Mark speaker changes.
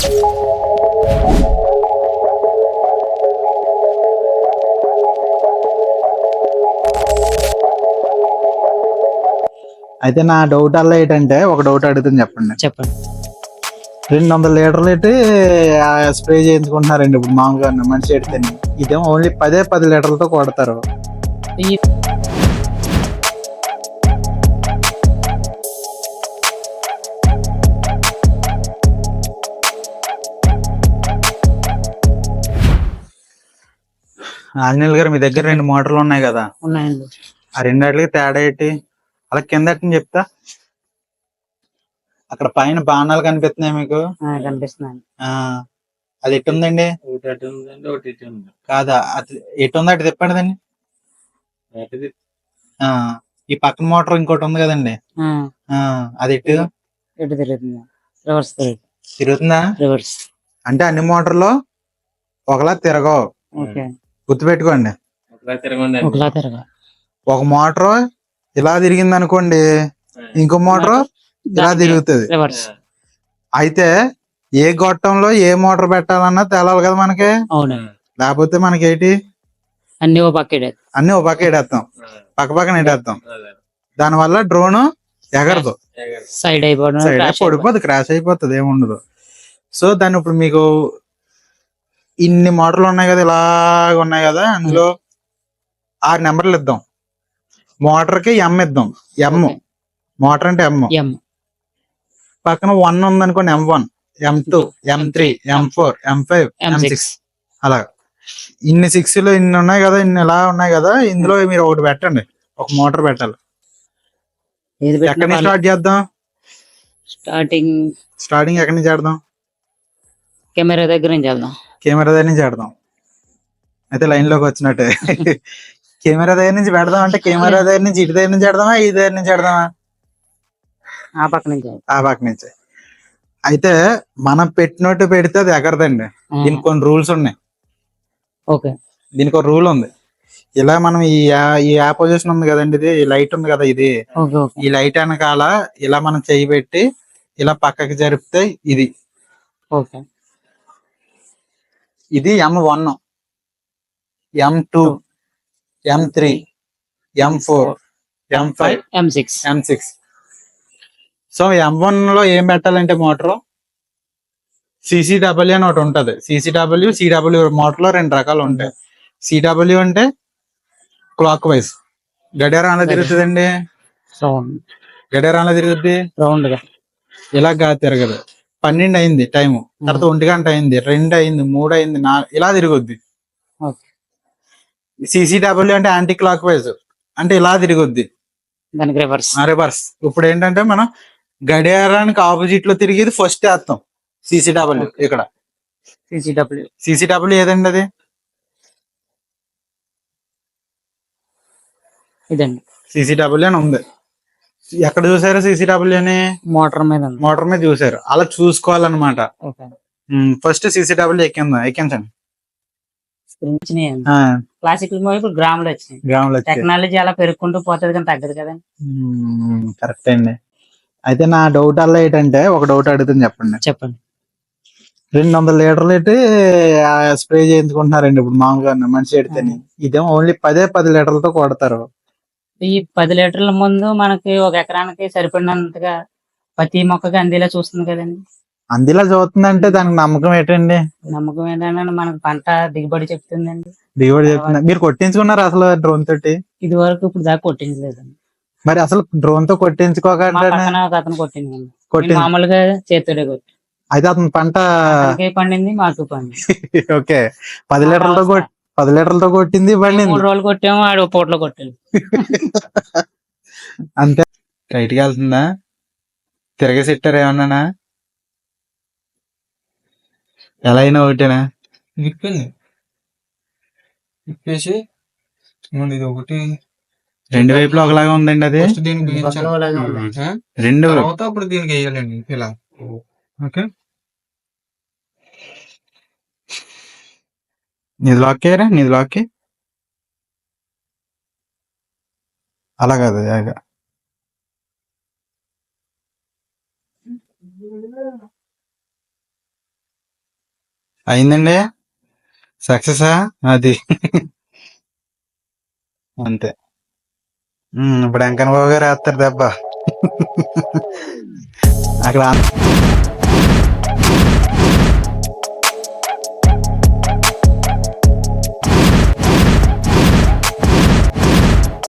Speaker 1: అయితే నా డౌట్ అలా ఏంటంటే ఒక డౌట్ అడుగుతుంది చెప్పండి.
Speaker 2: చెప్పండి.
Speaker 1: 200 లీటర్లు పెట్టి స్ప్రే చేయించుకుంటున్నారండి ఇప్పుడు మామూలుగా మనిషి ఎడితే. ఇదేమో ఓన్లీ 10 లీటర్లతో కొడతారు.
Speaker 2: ఈ
Speaker 1: ఆంజనేయులు గారు, మీ దగ్గర 2 మోటార్లు ఉన్నాయి కదా,
Speaker 2: ఉన్నాయండి.
Speaker 1: ఆ రెండాటికి తేడా ఏంటి? అలా కిందటిని చెప్తా. అక్కడ పైన బాణాలు కనిపిస్తున్నాయి మీకు?
Speaker 2: కనిపిస్తున్నాయండి.
Speaker 1: అది ఎటు ఉందండి? కాదా, అది ఎటు ఉంది అటు తిప్పండి. ఈ పక్కన మోటార్ ఇంకోటి ఉంది కదండి, అది ఎటు
Speaker 2: ఎటు తిరుగుతుంది? రివర్స్
Speaker 1: తిరుగుతుందా?
Speaker 2: రివర్స్.
Speaker 1: అంటే అన్ని మోటార్లు ఒకలా తిరగవు, గుర్తుపెట్టుకోండి.
Speaker 2: ఒకలా తిరగ.
Speaker 1: ఒక మోటార్ ఇలా తిరిగింది అనుకోండి, ఇంకో మోటార్ ఇలా తిరుగుతుంది.
Speaker 2: రివర్స్.
Speaker 1: అయితే ఏ గొట్టంలో ఏ మోటార్ పెట్టాలన్నా తేలాలి కదా మనకి.
Speaker 2: అవును.
Speaker 1: లేకపోతే మనకి ఏంటి,
Speaker 2: అన్ని ఓ పక్క
Speaker 1: ఎడేస్తాం, పక్క పక్కన ఎడేస్తాం. దానివల్ల డ్రోన్ ఎగరదు,
Speaker 2: సైడ్
Speaker 1: పడిపోతుంది, క్రాష్ అయిపోతుంది, ఏముండదు. సో దాన్ని ఇప్పుడు మీకు ఇన్ని మోటార్లు ఉన్నాయి కదా, ఇలాగ ఉన్నాయి కదా, అందులో 6 నెంబర్లు ఇద్దాం. మోటార్ కి ఎం ఇద్దాం. మోటార్ అంటే ఎం. పక్కన 1 ఉంది అనుకోండి, M1, M2, M3, M4, M5, M6 అలా. ఇన్ని 6లు ఇన్ని ఉన్నాయి కదా, ఇన్ని ఇలా ఉన్నాయి కదా, ఇందులో మీరు ఒకటి పెట్టండి, ఒక మోటార్ పెట్టాలి. ఎక్కడి నుంచి స్టార్ట్ చేద్దాం? స్టార్టింగ్ ఎక్కడి నుంచి చేద్దాం?
Speaker 2: కెమెరా దగ్గర నుంచి
Speaker 1: చేద్దాం. అయితే లైన్ లోకి వచ్చినట్టే. కెమెరా దగ్గర నుంచి పెడదాం అంటే కెమెరా దగ్గర నుంచి ఇటు దగ్గర నుంచి పెడదామా, ఈ దగ్గర నుంచి పెడదామా?
Speaker 2: ఆ పక్క
Speaker 1: నుంచి. అయితే మనం పెట్టినట్టు పెడితే అది ఎగరదండి. దీనికి కొన్ని రూల్స్ ఉన్నాయి. దీనికి ఒక రూల్ ఉంది. ఇలా మనం ఈ పొజిషన్ ఉంది కదండి, ఇది ఈ లైట్ ఉంది కదా, ఇది ఈ లైట్ వెనకాల ఇలా మనం చేయి పెట్టి ఇలా పక్కకి జరిపితే ఇది M1, M2, M3, M4, M5, M6. So M1 లో ఏం పెట్టాలంటే మోటార్ CCW అని ఒకటి ఉంటది. CW మోటార్ లో 2 రకాలు ఉంటాయి. CW అంటే క్లాక్ వైజ్, గడియారం అలా తిరుగుతుందండి. రౌండ్ గా ఇలాగా తిరగదు. 12 అయింది టైము, తర్వాత 1 గంట అయింది, 2 అయింది, 3 అయింది, 4 ఇలా తిరుగుద్ది. CCW అంటే యాంటీ క్లాక్ వైజ్, అంటే ఇలా తిరుగుద్ది, రివర్స్. ఇప్పుడు ఏంటంటే మనం గడియారానికి ఆపోజిట్ లో తిరిగేది ఫస్ట్ వేస్తాం CCW. ఇక్కడ CCW ఏదండి? అది
Speaker 2: ఇదండి.
Speaker 1: CCW అని ఉంది. ఎక్కడ చూసారు CCW అని? మోటార్ మీద చూసారు. అలా చూసుకోవాలన్నమాట. First CCW ఎక్కించండి.
Speaker 2: గ్రాములు వచ్చినాయి. టెక్నాలజీ అలా పెరుగుకుంటూ పోతుంది కానీ తగ్గదు కదండి.
Speaker 1: కరెక్ట్ అండి. అయితే నా డౌట్ అలా ఏంటంటే ఒక డౌట్ అడుగుతుంది చెప్పండి. 200 లీటర్లు పెట్టి స్ప్రే చేయించుకుంటున్నారండి ఇప్పుడు మామూలుగా మనిషి ఎడితే. ఇదేమో ఓన్లీ 10 లీటర్లతో కొడతారు.
Speaker 2: ఈ 10 లీటర్ల ముందు మనకి ఒక ఎకరానికి సరిపడినంతగా ప్రతి మొక్కకి అందేలా చూస్తుంది కదండి.
Speaker 1: అందేలా చూస్తుందంటే దానికి నమ్మకం ఏంటండి?
Speaker 2: నమ్మకం ఏంటంటే మనకు పంట దిగుబడి చెప్తుందండి.
Speaker 1: మీరు కొట్టించుకున్నారు అసలు డ్రోన్ తోటి?
Speaker 2: ఇది వరకు ఇప్పుడు దాకా కొట్టించలేదండి.
Speaker 1: మరి అసలు డ్రోన్ తో కొట్టించుకోకుండా
Speaker 2: అతను కొట్టింది, మామూలుగా చేతుడే కొట్టి.
Speaker 1: అయితే అతను పంట
Speaker 2: పండింది, మాకు పండింది.
Speaker 1: ఓకే, 10 లీటర్లతో కొట్టింది, పండింది.
Speaker 2: 3 రోజులు కొట్టాము, ఆడు పూటలో కొట్టాడు.
Speaker 1: అంతే. రైట్కి వెళ్తుందా? తిరగేసిట్టారు ఏమన్నానా? ఎలా అయినా ఒకటేనా? విప్పేసి ఇది ఒకటి 2 వైపులో ఒకలాగా ఉందండి. అది 2 అప్పుడు దీనికి వేయాలండి ఇలా. ఓకే, నీది లాక్ అలా కాదు. అయిందండి, సక్సెసా అది. అంతే. ఇప్పుడు వెంకన్న బాబు గారు వేస్తారు దెబ్బ. అక్కడ